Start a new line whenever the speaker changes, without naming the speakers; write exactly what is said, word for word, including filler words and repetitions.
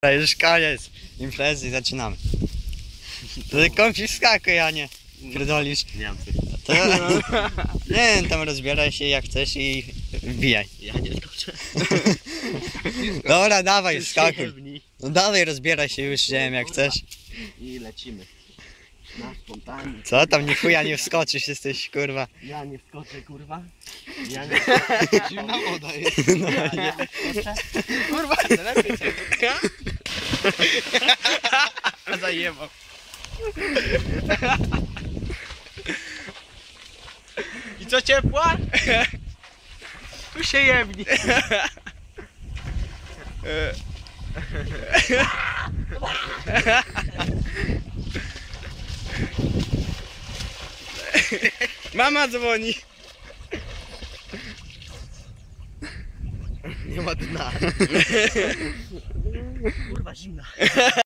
To już koniec imprezy, zaczynamy. To tylko wskakuj, a nie pierdolisz.
Nie mam
To, nie wiem, tam rozbieraj się jak chcesz i wbijaj.
Ja nie skoczę.
Dobra, dawaj, skakuj. No dawaj, rozbieraj się, już wiem jak chcesz.
I lecimy. Na spontanie.
Co tam, ni chuja nie wskoczysz, jesteś kurwa.
Ja nie wskoczę, kurwa. Ja nie wskoczę. Zimna woda jest.
No,
Ja nie wskoczę. Kurwa, to lepiej się. A zajebał. I co, ciepła? Tu się jebni.
Mama dzwoni.
Nie ma dna. Kurwa, zimna.